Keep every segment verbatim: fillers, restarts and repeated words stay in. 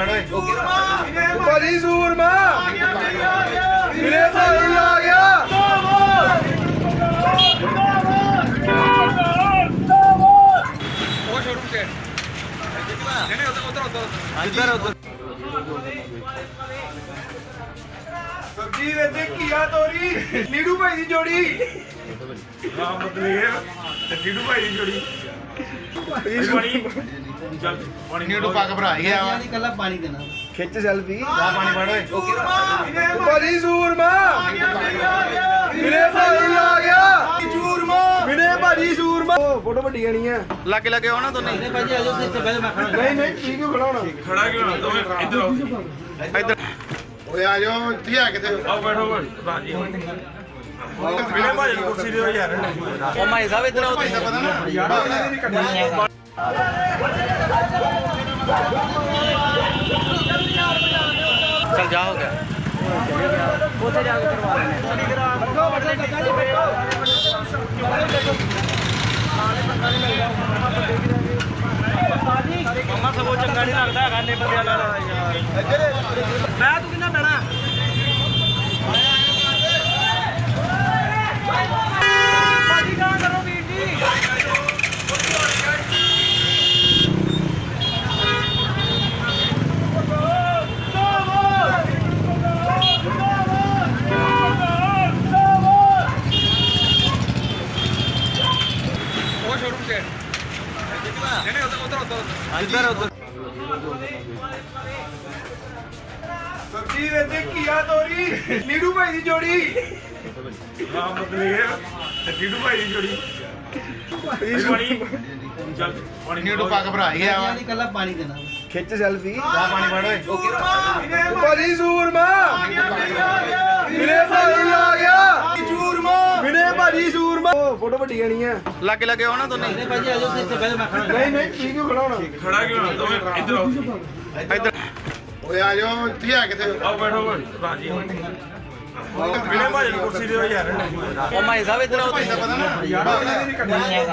ਭਾਜੀ ਸੂਰਮਾ ਵੀਰੇ ਭਾਈ ਆ ਗਿਆ। ਉਹ ਸ਼ੋਰੂਮ ਤੇ ਨਹੀਂ ਉਧਰ ਉਧਰ ਉਧਰ ਉਧਰ ਸਬਜੀ ਵਿੱਚ ਕੀਆ ਤੋਰੀ ਨੀਡੂ ਭਾਈ ਦੀ ਜੋੜੀ। ਹਾਂ ਮਤਲਬ ਨੀਡੂ ਭਾਈ ਦੀ ਜੋੜੀ ਪਾਣੀ ਚੱਲ ਪਾਣੀ ਨੀਡੂ ਪੱਕ ਭਰਾ ਗਿਆ ਵਾ ਕੱਲਾ ਪਾਣੀ ਦੇਣਾ ਖਿੱਚ ਸੈਲਫੀ ਆ ਪਾਣੀ ਫੜ ਓਏ ਭਾਜੀ ਸੂਰਮਾ ਵੀਰੇ ਭਾਈ ਆ ਗਿਆ। ਸੂਰਮਾ ਵੀਰੇ ਭਾਜੀ ਸੂਰਮਾ ਫੋਟੋ ਵੱਡੀ ਆਣੀ ਆ ਲੱਗੇ ਲੱਗੇ ਹੋਣਾ ਦੋਨੇ ਨਹੀਂ ਭਾਜੀ ਆਜੋ ਤੇ ਇੱਥੇ ਬਹਿ ਜਾ ਮੈਂ ਖੜਾ ਨਹੀਂ ਨਹੀਂ ਠੀਕ ਕਿਉਂ ਖੜਾ ਹੋਣਾ ਖੜਾ ਕਿਉਂ ਨਾ ਦੋਵੇਂ ਇੱਧਰ ਆਓ ਇੱਧਰ ਓਏ ਆ ਜਾਓ ਇੱਥੇ ਆ ਕਿਤੇ ਆਓ ਬੈਠੋ ਬਾਜੀ ਵੀਰੇ ਭਾਜੀ ਨੂੰ ਕੁਰਸੀ ਦਿਓ ਯਾਰ ਉਹ ਮਾਈ ਸਾਹਿਬ ਇੱਧਰ ਆਓ ਭਾਈ ਦਾ ਪਤਾ ਨਾ ਯਾਰ ਇਹਨਾਂ ਦੀ ਕੱਢਣੀ ਚੱਲ ਜਾ ਹੋ ਗਿਆ ਉੱਥੇ ਜਾ ਕੇ ਕਰਵਾ ਲੈਣੇ ਮੰਮਾ ਸਗੋਂ ਚੰਗਾ ਨਹੀਂ ਲੱਗਦਾ ਹੈਗਾ ਨੇ ਬੰਦਿਆਂ ਨਾਲ ਯਾਰ ਮੈਂ ਤੂੰ ਕਿੰਨਾ ਪੈਣਾ ਭਾਜੀ ਕਹਾਂ ਕਰੋ ਵੀਰ ਜੀ ਉਹ ਸ਼ੋਰੂਮ ਤੇ ਨਹੀਂ ਉਧਰ ਉਧਰ ਉਧਰ ਇੱਧਰ ਉੱਧਰ ਸਬਜੀ ਵਿੱਚ ਕੀਆ ਤੋਰੀ ਨੀਡੂ ਭਾਈ ਦੀ ਜੋੜੀ। ਹਾਂ ਮਤਲਬ ਨੀਡੂ ਭਾਈ ਦੀ ਜੋੜੀ ਪਾਣੀ ਚੱਲ ਪਾਣੀ ਨੀਡੂ ਪੱਕ ਭਰਾ ਗਿਆ ਵਾ ਕੱਲਾ ਪਾਣੀ ਦੇਣਾ ਖਿੱਚ ਸੈਲਫੀ ਆ ਪਾਣੀ ਫੜ ਓਏ ਭਾਜੀ ਸੂਰਮਾ ਵੀਰੇ ਭਾਈ ਆ ਗਿਆ। ਸੂਰਮਾ ਵੀਰੇ ਭਾਜੀ ਸੂਰਮਾ ਫੋਟੋ ਵੱਡੀ ਆਣੀ ਆ ਲੱਗੇ ਲੱਗੇ ਹੋਣਾ ਦੋਨੇ ਨਹੀਂ ਭਾਜੀ ਆਜੋ ਤੇ ਇੱਥੇ ਬਹਿ ਜਾ ਮੈਂ ਖੜਾ ਨਹੀਂ ਨਹੀਂ ਠੀਕ ਕਿਉਂ ਖੜਾ ਹੋਣਾ ਖੜਾ ਕਿਉਂ ਨਾ ਦੋਵੇਂ ਇੱਧਰ ਆਓ ਇੱਧਰ ਓਏ ਆ ਜਾਓ ਇੱਥੇ ਆ ਕਿਤੇ ਆਓ ਬੈਠੋ ਬਾਜੀ ਵੀਰੇ ਭਾਜੀ ਨੂੰ ਕੁਰਸੀ ਦਿਓ ਯਾਰ ਉਹ ਮਾਈ ਸਾਹਿਬ ਇੱਧਰ ਆਓ ਭਾਈ ਦਾ ਪਤਾ ਨਾ ਯਾਰ ਇਹਨਾਂ ਦੀ ਕੱਢਣੀ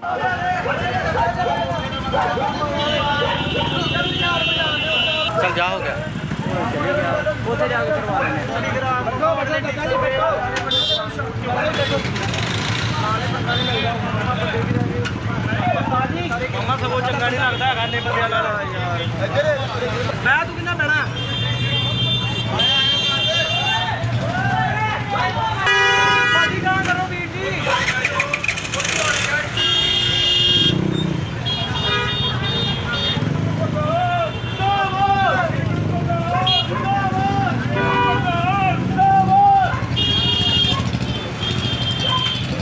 ਚੱਲ ਜਾ ਹੋ ਗਿਆ ਉੱਥੇ ਜਾ ਕੇ ਕਰਵਾ ਲੈਣੇ ਮੰਮਾ ਸਗੋਂ ਚੰਗਾ ਨਹੀਂ ਲੱਗਦਾ ਹੈਗਾ ਨੇ ਬੰਦਿਆਂ ਨਾਲ ਯਾਰ